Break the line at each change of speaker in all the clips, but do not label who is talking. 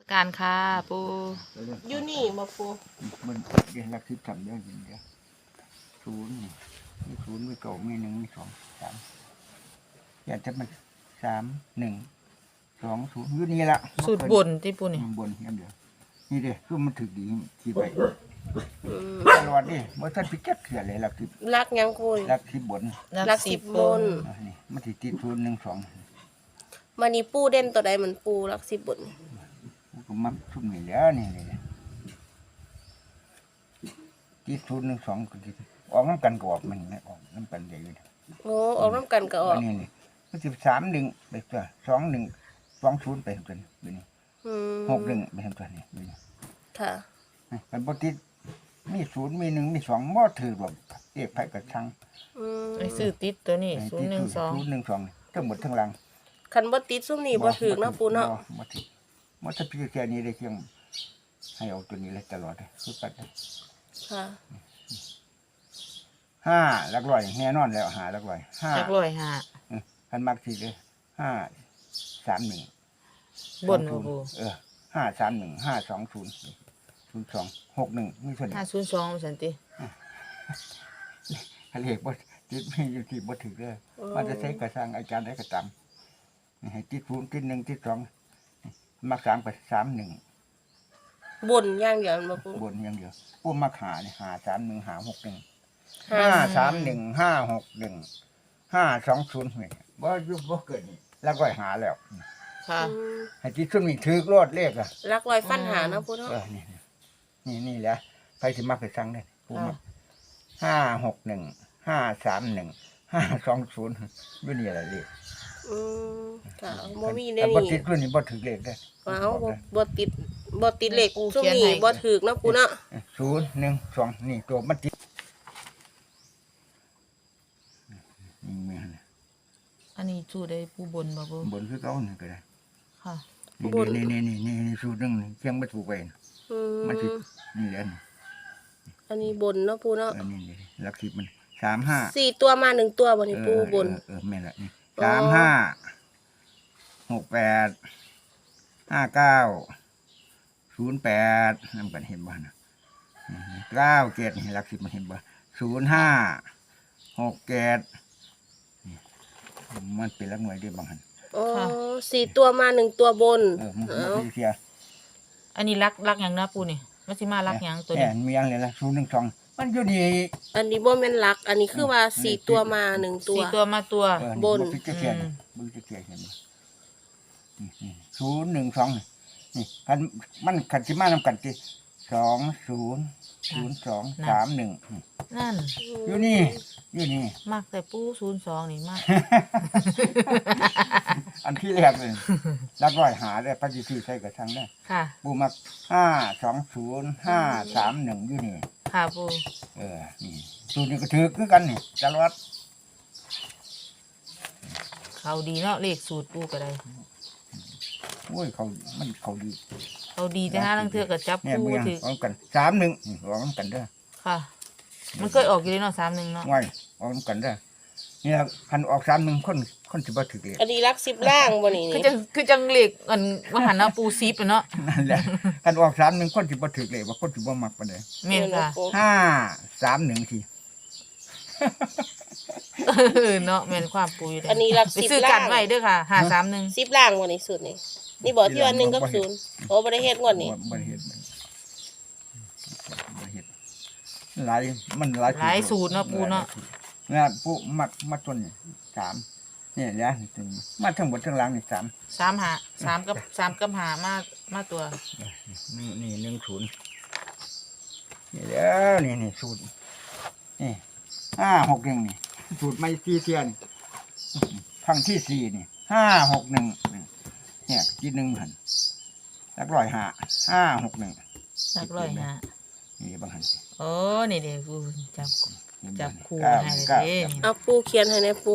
การค่ะปู
อยู่นี่มาปู
มันเรียนรักที่ทำได้ยินเดียวศูนย์มีศูนย์มีเก่ามีหนึ่งมีสองสามอยากจะมัน3-1-2-0อยู่นี่ละ
สูตรบนที่ปูนี่
บนอย่างเดียวนี่เด้คือมันถึกดีที่ไปตลอดดิเมื่อท่านพิจักเขื่อนเลยรักที่
รักยังคุย
รักที่บน
รัก10บน
นี่มันติด0-1-2
มานี่ปูเด่นตัวใดเหมือนปูรัก10บน
ก็มักทุ่มนี่แล้วนี่เลยติด0-1-2ก็ติดออกน้ำกันก็ออกมันไม่ออกน้ำกันใหญ่เลย
โอ้ออกน้ำกันก็ออก
นี่มัน13-1ไปตัว2-1-2-0ไปตัวนี้อยู่นี่6-1ไปตัวนี้อยู่นี่
ค่ะ
มันบ่ติดมี0มี1มี2บ่ถือแบบเอกไผกระชัง
ไอ้ซื้อติดตัวนี้012
0-1-2ทั้งหมดทั้งหลัง
คันบ่ติดซุ่มนี่บ่ถึกนะปูเนาะ
บ่ถึกมันถ้าพี่แค่นี้ได้เพียงให้เอาตัวนี้เลยตลอดเลยคือปัด
ค่ะ
5หลักร้อยแน่นอนแล้ว5หลักร้อย5
จักร้อยห้า
คันมักสิเลย5-3-1
บนปู
5-3-1-5-2-0-02-61มีส่วน
502สันติ
เลขบ่ติดมีอยู่ที่บ่ถึกเด้อมันจะใช้กระสังอาจารย์ได้กระตำให้ติด0ติด1ติด2มัก3ไป3-1
บนอย่างเดียวมาปู
บนอย่างเดียวปูมักหานี่5-3-1-5-6-1 5-3-1-5-2-0นี่บ่อยู่บ่เกิดนี่แล้วก็หาแล้ว
ค่ะ
ให้ติดซุ่มนี่ถึกโลดเลขอ่ะ
รักร้อยฟันหานะปูเนาะ
นี่แหละไปสิมักไปสั่งได้ปูมัก5-6-1-5-3-1-5-2-0อยู่นี่แหละเลข
ค่ะบ่มีได้
นี่บ่
นี่
ติดรุ่นนี้บ่ถึกเลขได้
ว้าวบ่ติดเลขซุ่มนี่บ่ถึกนะปูเนาะ
0-1-2นี่ตัวมันติด
อันนี้สูตรได้ปูบนบ่ปู
บนคือเก่านี่ก็ได้
ค่ะ
นี่สูตรนึงเชียงบ่ถูกไปมันสินี่แหละ
อันนี้บนเนาะปูเนาะ
อันนี้หลัก10มัน3-5
4ตัวมา1ตัวบ่นี่ปูบน
แม่นละนี่3-5-6-8-5-9-0-8นำกันเห็นบ่นะ9-7นี่หลัก10มันเห็นบ่0-5-6-7มันเป็นหลักหน่วยได้บางหั่น
4ตัวมา1ตัวบน
มันเสีย
อันนี้รักหยังนะปูนี่มันสิมารักหยังตัวนี้
มีหยังเลยล่ะ0-1-2มันอยู่นี่
อันนี้บ่แม่นรักอันนี้คือว่า4ตัวมา1ตัว
4ตัวมาตัว
บน
บึ้งจะเขียนเห็นบ่0-1-2นี่มันคันสิมานำกันติ20-02-31
นั่น
อยู่นี่
มากแต่ปู02นี่มาก
อันที่แรกเลยรักร้อยหาได้ปัจจุบันใช้กระชังได้
ค่ะ
ปูมัก5-2-0-5-3-1อยู่นี่
ค่ะปู
นี่สูตรนี้ก็ถือคือกันนี่ตลอด
เขาดีเนาะเลขสูตรปูก็ได้
โอ้ยเขา
ดีแต่ห้าลังเทือกับจับปูถือ
ออกกัน3-1ออกกันเด้อ
ค่ะมันเคยออกอยู่เลยเนาะ3-1เนาะ
ง่ายออกกันเด้อนี่คันออก3-1คนสิบ่ถือเลย
อันนี้รัก10ล่างบ่นี่
คือจังเลขอันว่าหันเอาปูซีปเนาะ
นั่นแหละคันออก3-1คนสิบ่ถือเลยว่าคนสิบ่มักปานใด
แม่นค่ะ
5-3-1สิ
เนาะแม่นความปูอยู่เด้
อันนี้รัก10ล่าง
ซื้อกันไว้เด้อค่ะ5-3-1
10ล่างบ่นี่สุดนี่บ่ที่ว่า1กับ0โอ้บ่ได้เฮ็ดงวดนี้
บ่ได้เฮ็ดหลาย
สูตรเนาะปูเนาะ
เนี่ยปูมักต้นนี่3นี่แหละมาทั้งหมดทั้งหลังนี่
3กับ5มาตัว
นี่10นี่แล้วนี่สูตรนี่5-6-1นี่สูตรไม่4เที่ยนครั้งที่4นี่5-6-1เนี่ยที่1หั่นหลักร้อย5-6-1
หลักร้อย5
นี่บางหั่น
โอ้นี่เด้ปูจับคู่ให้เด้
เอาปูเขียนให้ในปู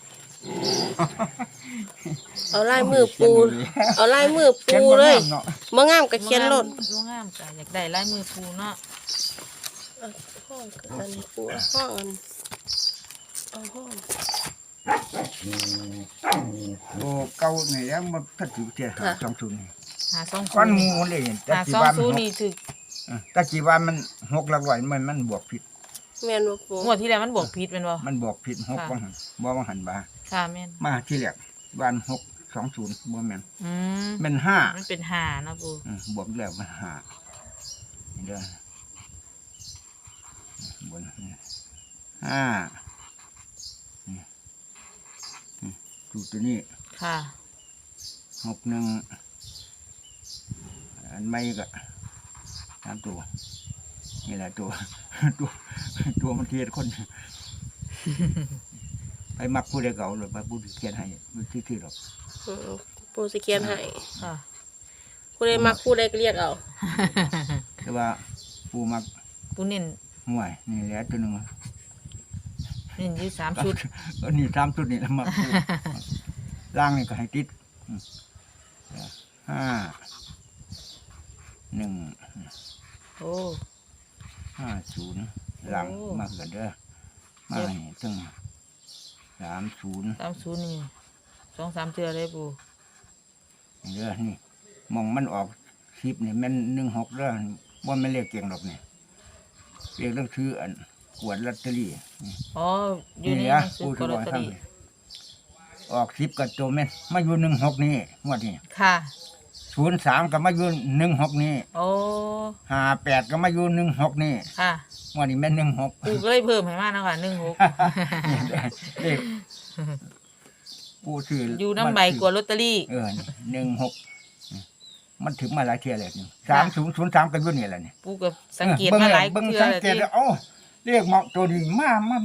เอาลายมือปูเลยบ่งามก็เขียนโลด
บ่งามก็อยากได้ลายมือปูเนาะ
ห้องอันนี้ปูห้องเอาห้อง
โอ้เก่านี่ยังบ่ทันถือเที่ย2-0นี่
520
ก้อนหมูเลยแต่กี่วัน
520นี่ถึก
แต่กี่วันมัน6หลักร้อยมันบวกผิด
แม่นบ่ปู
งวดที่แล้วมันบวกผิดแม่นบ่
มันบวกผิด6บ่หันบ่ว่าหันบ่า
ค่ะแม่น
มาที่แรกวัน620บ่แม่น
อืม
แม่น
มันเป็น5นะปู
5บวกแล้วมัน5นี่เด้อบน5ดูตัวนี้
ค่ะ
61อันไม่ก็3ตัวนี่แหละตัว ตัวมันเทียดคน ไปมักผู้ใดเก่าหรือไปผู้ที่เขียนให้มันที่หรอก
ปูสิเขียนให้
ค่ะ
ผู้ใดมักผู้ใดก็เรียกเอา
แต่ว่าผู้มัก
ปูเน้น
ห่วยนี่แหละตัวหนึง
เน้นอยู่3ชุด
นี่3ชุดนี่แล้วมักผู้ล่างนี่ก็ให้ติด5 1
โอ้
50หลังมาเกิดเด้อมาให้ถึง30
30นี่2-3เทื่อเลยปู
เด้อนี่มองมันออก10นี่แม่น16เด้อบ่แม่นเลขเก่งดอกนี่เลขเรื่องชื่ออันกวดลอตเตอรี่
อ๋ออยู่ใน
นี่
ห
นะ
นังสือ
ผู้
ก
ถือ
ลอ
ว่า
ตเตอ
ทั้ง
รี่
นี้ออก10กับตัวแม่นมาอยู่16นี่งวดนี้
ค่ะ
03ก็มาอยู่16นี่
โอ้
58ก็มาอยู่16นี่
ค่ะ
งวดนี้แม่น16
ปูก็เลยเพิ่มให้มาเนาะค่ะ16
เลขผู้ถือ
อ
อยู่
น้ำใบกว่าลอตเตอรี่
16มันถึงมาหลายเที่ยแล้วนี่3003ก็อยู่นี่แหละนี่
ปูก็สังเกตมาหลาย
เบิ่ง
เทื่อ
สัง
แล้ว
เกต
ที่
แล้วเอ้าเลขเหมาะตัวนี้มา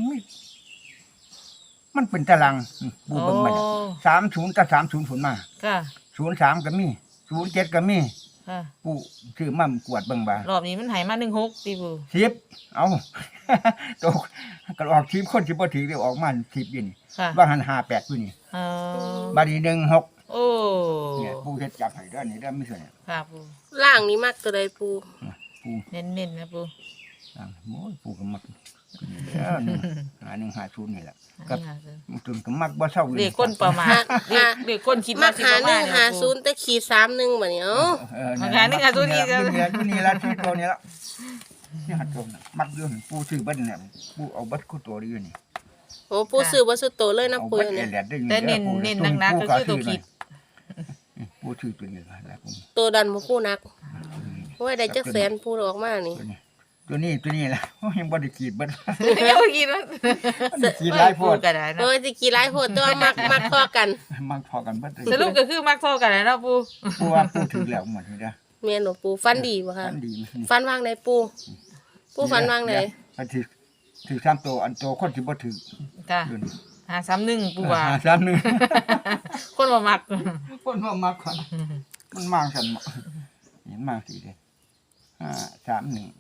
มันเป็นตารางปูเบิ่งมัน30กับ30ผลมา
ค่ะ
03ก็มี07ก็มี
ค่ะ
ปูถือมั่มกวดเบิ่งบ่าร
อบนี้มันให้มา16ติปู
10เอาตกก็ออก10คนสิบ่ถือเดี๋ยวออกมา10อยู่นี่
ค่ะ
ว่าหัน58อยู่นี่
เออ
บัดนี้16
โอ้
เนี่ยปูเฮ็ดจับให้เด้อนี่เด้อมีส่วนเนี่ย
ค่ะปู
ล่างนี้มักตัวใดปู
ปู
เน้นๆนะปู
ต่างโอ้ยปูก็มักเด้อนี่150นี่แหละกับ มันจนก็มักบ่เศร้าอยู่
เด็กคนประมาณเด็กคนคิด
มั
ว่าก สิ
หา
ประมาณ
150แต่ขีด31บัดนี้เอ้า
มักหา150นี่อยู่นี่ละที่ตัวนี้ละนี่หัดตัวน่ะมักอยู่ปูซื้อเบิดเนี่ยปูเอาเบิดคู่ตัวอยู่นี่
โอ้ปูซื้อบ่ซื้อโตเลยนะ
เอา
ปู
เบิด
เนี่ย
แหลดได้อยู่
แต่เน้นหนักๆก็คือตัวคิด
ปูซื้อตัวนี้ละแล้วผม
ตัวดันบ่ปูนักโอ้ยได้จักแสนปูออกมานี่
ตัวนี้ละโอ้ยังบ่ได้ขีดเบิด
ยังบ่คิดว่า
มันขีดหลายโพด
ก็ได้เนาะ
โอ้ยสิกี่หลายโหดตัวมักพอกัน
มักพอกันเบิด
สรุปก็คือมักเท่ากันเนาะปู
ปูว่าปูถือแล้วหมดนี่เด้อ
แม่นบ่ปูฟันดีบ่คะ
อันดีมัน
ฟันวางไหนปูปูฟันวางไหน
อันถือ3ตัวอันโตคนสิบ่ถือ
ค่ะ
อยู่นี่
531ปูว่า
3-1
คนบ่มัก
คนว่ามากกว่ามันมากสันเหมาะเห็นมากสิเลย531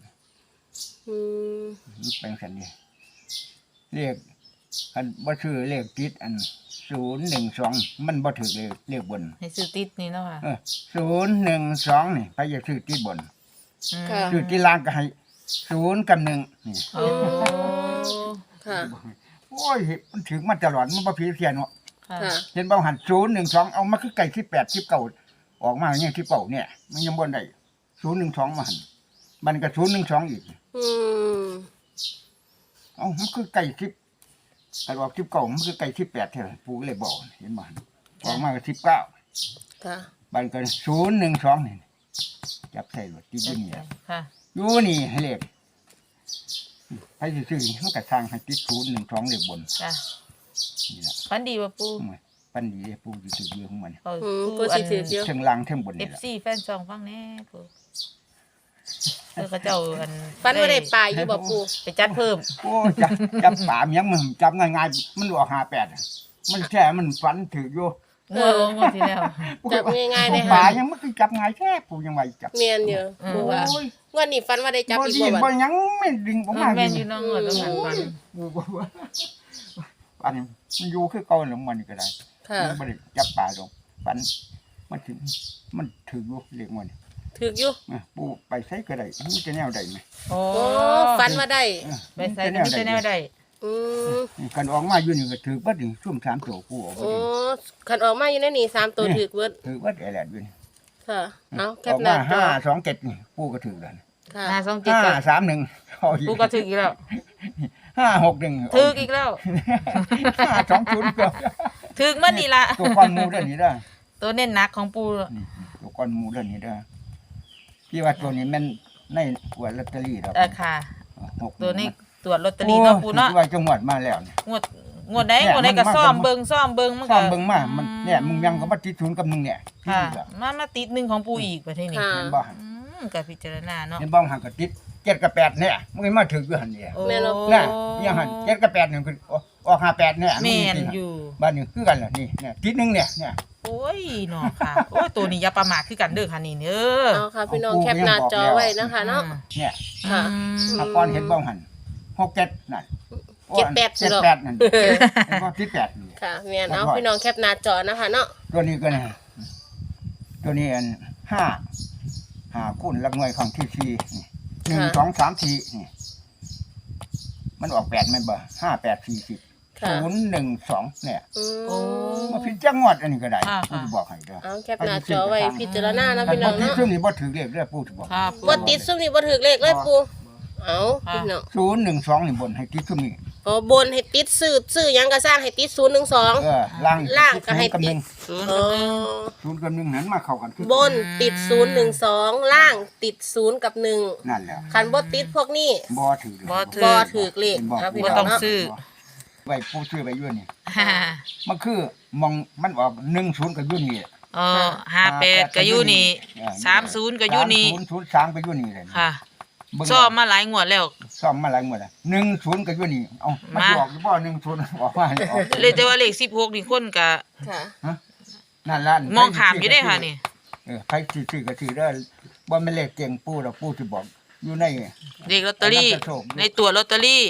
มันเป็นสันนี่เลขอันบ่ชื่อเลขติดอัน012มันบ่ถือเลขบน
ให้ซื้อติดนี่เนาะค่ะ
012นี่ไปอย่าซื้อติดบน
ค่ะ
ซื้อติดล่างก็ให้0กับ1นี่
โอ้
ค่ะ
โอ้ยมันถึงมาตลอดมันบ่ผิดเพี้ยนเนาะ
ค่ะ
ค่ะ
เห็นบ่หัน012เอามาคือไก่18 19ออกมาเนี่ย19เนี่ยมันยังบ่ได้012มาหันมันก็012อีก
อืม
มันคือไก่10แต่ว่า19มันคือไก่18แท้ปู่ก็เลยบอกเห็นบ่ออกมาก็19
ค่ะ
บัดก็012นี่จับใส่รถที่อยู่นี่
ค่ะ
อยู่นี่ให้เลขให้ซื่อๆมันก็สร้างให้ติด012เลขบน
ค่ะ
นี่ล่ะ
ฟันดีบ่ปู
ปันดีเด้ปู่สิถืออยู่ของมัน
เอา
ปูสิถือเดียว
เทิงล่างเทิงบนนี่ล่ะ
FC แฟนช่องฟังแน่ปูเขาเจ้าอัน
ฟันบ่ได้ปลายอยู่บ่ปู
ไปจัดเพิ่ม
โอ้จับป่ามันยังมันจับง่ายๆมันออก58อะมันแท้มันฝันถืออยู่
งวดที่แล้ว
จับง่ายๆเลย
ป่า
ค่ะ
ยังมันคือจับง่ายแท้ปู่ยังว่าจับ
เมียนเดียวปูว่า
โอ้ย
งวดนี้ฟันว่าได้จับ
บ่
อีก
ดี
บ่
บ่
บัด
ยังไม่ดึงออกมา
แม่นอยู่น้องงวดต้องหันฟัน
ปู่บ่ว่าอันนี้มันอยู่คือเก่าแล้วมันนี่ก็ได้
ค่ะ
มันบ่ได้จับป่าดอกฝันมันถึงมันถืออยู่เรียกมัน
ถึกอยู่
ปู่ไปใช้ก็ได้มันจะแนวใดไหม
โอ้
โอ้ฟันว่าได้
ไปใส่ก็มีแต่แนวใด
อืม
กันออกมาอยู่นี่ก็ถือบัดนี่ซุ่ม3ตัวปู่ออกบ่
โอ้
ดี
คันออกมาอยู่ในนี่3ตัวถึกเบิด
ถือบัดแอแลดอยู่นี่
คค่ะเอาแค
อ
ป
อก
หน้า
มา
จอ
527นี่ปูก็ถือแล้ว
ค่ะ
527ก็
531เอาอีก
ปูก็ถึกอีกแล้ว
561
ถึกอีกแล้ว
520ก็
ถึกมันนี่ล่ะ
ตัวก้อนหมูเด้อนี่เด้อ
ตัวเน้นหนักของปู
นี่ตัวก้อนหมูเด้อนี่เด้อพี่ว่าตัวนี้มันในขวดลอตเตอรี่ดอก
ค่ะ
6
ตัวนี้ตรวจลอตเตอรี่เนาะปูเนาะ
ว่าจังหวัดมาแล้วนี่
งวดใดก็ซ่อมเบิ่งมัน
ซ่
ก็
อมเบิ่งมามันเนี่ยมึงยังก็มาติดศูนย์กับมึงเนี่ย
ค่ะ
ที่นี่ล่ะ
มาติดหนึ่งของปูอีกประเทศนี้
ค่ะ
เห็นบ่
ก็พิจารณาเนาะ
เห็นบ่หันก็ติด7กับ8เนี่ยมึงมาถึกอยู่หั่นเนี่ย
โอ้
แม่นบ่
น่ะยังหัน7กับ8เนี่ยคือออก58เนี่ย
แม่น
ง
อยู่
บ้านนี้คือกันล่ะนี่เนี่ยติดหนึงเนี่ย
โอ้ยเนาะค่ะ โอ้ยตัวนี้อย่าประมาทคือกันเด้อค่ะนี่เด้อ
เอาค่ะพี่น้องแคปหน้าจอไว้นะคะเนาะ
เนี่ย
ค่ะ
ถ้าก่อนเห็นบ่หัน67นั่น
78
นั่นเห็นบ่ติด8นี่
ค่ะแม่นเอาพี่น้องแคปหน้าจอนะคะเนาะ
ตัวนี้ก็นะตัวนี้อัน5คูณหลักหน่วยของที่4นี่1 2 3 4นี่มันออก8แม่นบ่5 8 4 10
ค่ะ
0 1 2เนี่ย
โอ้
มาพิจังหวัดอันนี้ก็ได้
ค่ะ
ปู่สิบอกให้เด้อ
เอาแคปหน้าจอไว้พิจารณานะ
คัน
พี่น้
บ่
อง
ติด
เนาะ
ซุ่มนี่บ่ถือเลขเด้อปู่สิบอก
ค่ะ
บ่ติดซุ่มนี่บ่ถูกเลขเลยปูเอาพี่น้อง
0 1 2นี่บนให้ติดซุ่มนี่
อ๋อบนให้ติดซื้อหยังก็สร้างให้ติด012
ล่าง
ล่างก็ให้
กับ
ติด
ศูนย์
อ๋
กับ
อ
หนึ่ง
0กับ1นั้นมาเข้ากันคือบ
นติด012ล่างติด0กับ1
นั่นแหละ
คันบ่ติดพวกนี้
บ่ถือ
บ่ถื
บ่ถูกเลข
บ่
เอาพี่
บ่
น้
ต้
อ
อง ง
เนาะ
ซื้อ
ไว้ปู่ซื้อไว้อยู่นี่
ฮ่า
มันคือมองมันออก10ก็อยู่นี่
58ก็อยู่นี่30ก็อยู่นี่
30 03ก็อยู่นี่เลย
ค่ะ
เบิ่ง
ซ่อมมาหลายงวดแล้ว
ซ่อมมาหลายหมดแล้ว10ก็อยู่นี่เอ้ามัน
มา
ออกหรือบ่10ออกมาเลยออก
เลยแต่ว่าเลข16นี่คนก็
ค่ะ
นั่นล่ะ
มองขามอยู่ได้ค่ะนี่
ใครซื้อก็ซื้อได้บ่แม่นเลขเก่งปู่ดอกปู่สิบอกอยู่ใน
เลขลอตเตอรี่ในตัวลอตเตอรี่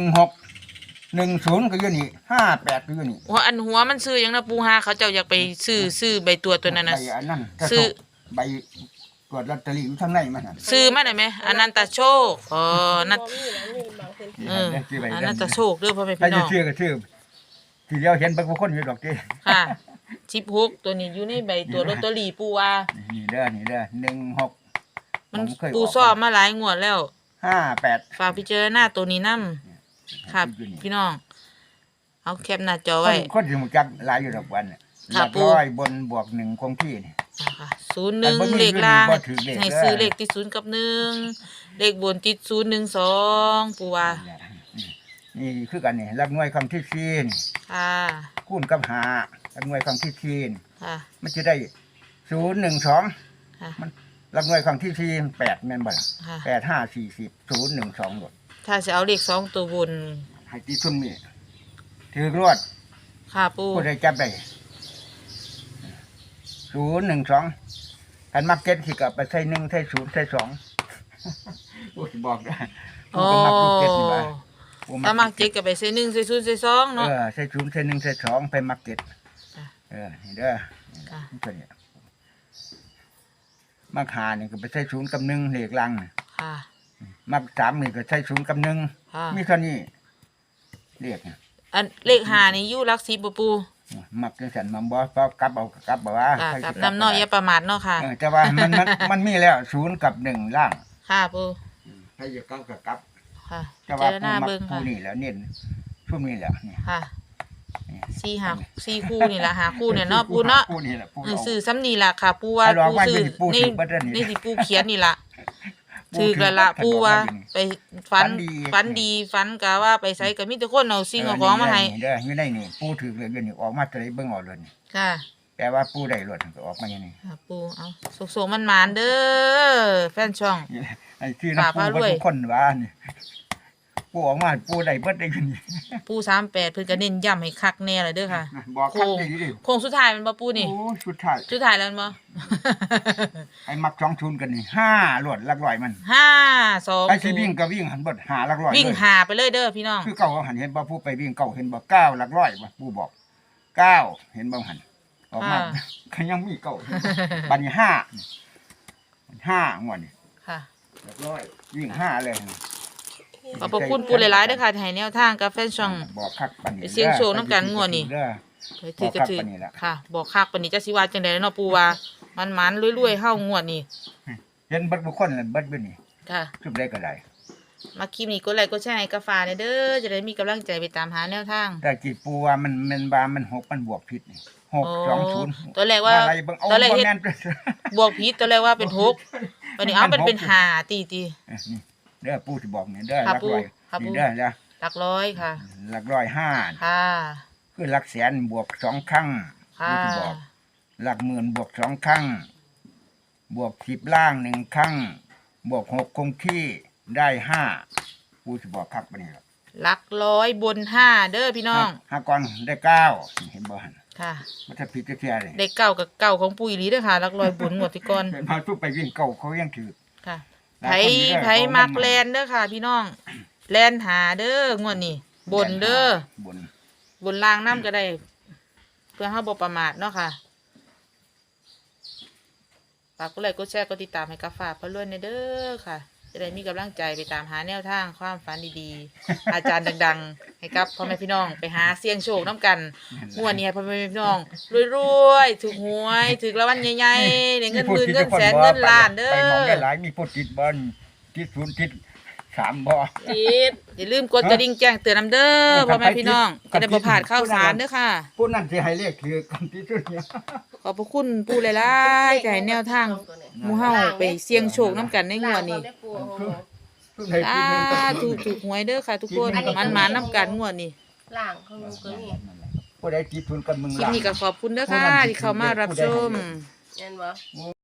16 10ก็อยู่นี่58ก็อยู่นี่
หัวหัวมันซื้อหยังนะปูหาเขาเจ้าอยากไปซื้อใบตัวตัวนั้นน่ะ
ใบอันนั้น
ซื้อ
ใบตรวจลอตเตอรี่อยู่ข้างในมันน่ะ
ซื้อมาได้ไหมอนันตโชคนั่น
บ่มีแล้วมีบางพื้นที่
อนันตโชคเด้อพ่อแม่
ใคร
พี่น้
จะ
อง
ซื้อก็ซื้อทีเดียวเห็นเบิ่งคนอยู่ดอกติ
ค่ะ16ตัวนี้อยู่ในใบตัวลอตเตอรี่ปูว่า
นี่เด้อ16
มัน
เคย
ปูซ่อมมาหลายงวดแล้ว
58
ฝากพิจารณาตัวนี้นํค่ะพี่น้อง เอาแคปหน้าจอไว้
คนสิรู้จักหลายอยู่ดอกวันน่ะห
ค่ะ
ลัก
ปู่
ร้อยบนบวก1คงที่นี่
ค่ะ
อันบ่มี
01เลขล่าง
บ่ถือเลข
ให้
เด้อ
ซื้อเลขติด0กับ1เลขบนติด012ปูว่า
นี่คือกันนี่หลักหน่วยคำที่4นี่
ค่ะ
คูณกับ5หลักหน่วยคำที่4นี่
ค่ะ
มันจะได้012
ค่ะ
มันหลักหน่วยคำที่4 8แม่นบ่ล่ะ
ค่ะ
8 5 40 012หมด
ถ้าจะเอาเลข2ตัวบน
ให้ที่ซุ่มนี่ถือรวด
ค่ะปู
ผู้ใดจับได้012คันมักเก็ตสิกลับไปใส่1ใส่0ใส่2 ผู้สิบอกได้ผู้ก็มักอยู่เก็ตนี่ว่าผู้
ถ้ามักเจ็ดก็ไปใส่1ใส่0ใส่2เนาะ
ใส่0ใส่1ใส่2ไปมักเก็ต
ค่ะ
นี่เด้อ
ค่ะ
ตัวนี้มัก5นี่ก็ไปใส่0กับ1เลขลังน่ะ
ค่ะ
มัก3นี่ก็ใส่0กับ1
ค่ะ
มีเท่านี้เลขน่ะ
อันเลข5นี่อยู่หลัก10บ่ปู
มักจังซั่นมันบ่ก็กลับเอากลับบ่ว่า
ค่ะ
ใคร
กับ
สิ
น้ำน้อยอย่าประมาทเนาะค่ะ
แต่ว่ามันมีแล้ว0กับ1ล่าง
ค่ะปู
ใครจะกลับก็กลับ
ค่ะ
แต่
เจ
ว่า
อหน้า
มั
เบิ่ง
ผู้
ค่ะ
นี่แหล้วเน้นช่วงนี้แหละนี่
ค่ะ4คู่นี่ล่ะหาคู่เนี่ยเนาะปูเนาะ
ผู้นี่แหละผู้
ซื้อซ้ำนี่ล่ะค่ะ ปูว่า
ให้ลอง
ปู
ไว้
ซื้อ
เป็นปู
นี่
ถือบัดเดี๋ยวนี้
นี่สิปูเขียนนี่ล่ะ
ผู้
ถือกันละปูว่า ไปฝัน
ฝันดี
ฝันกะว่าไปไสก็มีแต่คนเอาสิ่งเอาของมาให้
เด้ออยู่ในนี่ปูถือเลยอยู่นี่ออกมาจะได้เบิ่งออกเลยนี่
ค่ะ
แต่ว่าปูได้รถก็ออกมาอย่างนี้
ค่ะปูเอาสุกๆมันหมานเด้อแฟนช่อง
ไอ้ที่น้ำปู
ฝาก
ก็
ไว้ด้วย
ทุกคนว่านี่ปูออกมาปูได้เบิดได้อยู่นี่
ปู38เพิ่นก็เน้นย้ำให้คักแน่เลยเด้อค่ะ
บอกคักได้ดิ
โค้งสุดท้ายมันบ่ปูนี่
โอ้สุดท้าย
สุดท้ายแล้วมันบ่
ไอ้มัก2-0กันนี่5รวดหลักร้อยมัน
5 2
ไอ้ที่วิ่งก็วิ่งหันเบิด5หลักร้อย
วิ่ง
เลย
หาไปเลยเด้อพี่น้อง
คือเก่าหันเห็นบ่ผู้ไปวิ่งเก่าเห็นบ่9หลักร้อยบ่ผู้บอก9เห็นบ่หันออกมา
ค่ะ
ก็ยังมีเก่าเห็นบ่บัดนี้5งวดนี่
ค่ะ
หลักร้อยวิ่ง5เลย
ขอบพระคุณปูหลายๆเด้อค่ะที่ให้แนวทางกับแฟนช่อง
บอกคักปานนี้
ไปเสี่ยงโชคนำกันงวดนี้
เด้อ
ถือก็ถือ
บอกคักปานนี้ล่ะ
ค่ะ บอกคักปานนี้จักสิว่าจังได๋เนาะปูว่ามันรวยๆเฮางวดนี่
เห็นเบิดบุคคลเลยเบิดบ่นี่
ค่ะ
ทุกได้ก็ได้
มาคลิปนี้กดไลค์กดแชร์ให้กาแฟเด้อจะได้มีกำลังใจไปตามหาแนวทาง
แต่กี่ปูว่ามันบามัน6มันบวกผิดนี่
โอ้
620
ตัวแรกว่า
อะไรเบิ่งเอา
ตัวแรก
บ่
เฮ็ด
แม่น
บวกผิดตัวแรกว่าเป็น6วันนี้เอามันเป็น5ตี
นี่เด้อปู่สิบอกนี่เด้อ
ค่ะ
หลักร้อย
ปู่ค่ะปู่
นี่เด้อจ้ะ
หลักร้อยค่ะ
หลักร้อยห้า
ค่ะ
คือหลักแสนบวก2ครั้ง
ค่ะ
ปู่สิบอกหลักหมื่นบวก2ครั้งบวก10ล่าง1ครั้งบวก6คงที่ได้5ปู่สิบอกคักปานนี้ล่ะ
หลักร้อยบน5เด้อพี่น้อง
ห้าก่อนได้9เห็นบ่หั่น
ค่ะ
มันจะผิดจะเทียเลย
ได้เก้ากับเก้าของปุ๋ยหลีเด้อค่ะหลักร้อยบนงวดที่ก่อน
เห็นมาทุกไปวิ่งเก่าเขายังถือ
ค่ะ
หลา
ไผ
ยคนอยู่เด้อ
ไผมักแลนเด้อค่ะ พี่น้องแลนหาเด้องวดนี้บนเด้อบ
น
บนล่างน้ำก็ได้ เพื่อเฮาบ่ประมาทเนาะค่ะฝากกดไลค์กดแชร์กดติดตามให้กับฝากเพื่อนด้วยเด้อค่ะ จะได้มีกำลังใจไปตามหาแนวทางความฝันดีๆ อาจารย์ดังๆ ให้กับพ่อแม่พี่น้องไปหาเสี่ยงโชคน้ำกันงวดนี้ให้พ่อแม่พี่น้องรวยๆถูกหวยถูกรางวัลใหญ่ๆได้เงินหมื่นเงินแสนเงินล้านเด้
ไปมองได้
อ
หลายมีผู้ติดบอลติดศูนย์ติด3บ่
ติด
อย่าลืมกดกระดิ่งแจ้งเตือนนำเด้อพ่อแม่พี่น้องจะได้บ่พลาดข่าวสารเด้อค่ะ
ผู้นั้นสิให้เลขถือกันที่สุดเนี่ย
ขอบพระคุณปู่หลายๆที่ให้แนวทางหมู่เฮาไปเสี่ยงโชคน้ำกันในงวดนี้
ได้ปู
ทุกให้ทีนึงก็ถือ
ถูกหวยเด้อค่ะทุกคนมันน้ำกันงวดนี้
ล่างของหนูก็มี
ผู้ใดติดศูนย์กันมึง
คลิปนี้ก็ขอบคุณเด้อค่ะที่เข้ามารับชม
เห็นบ่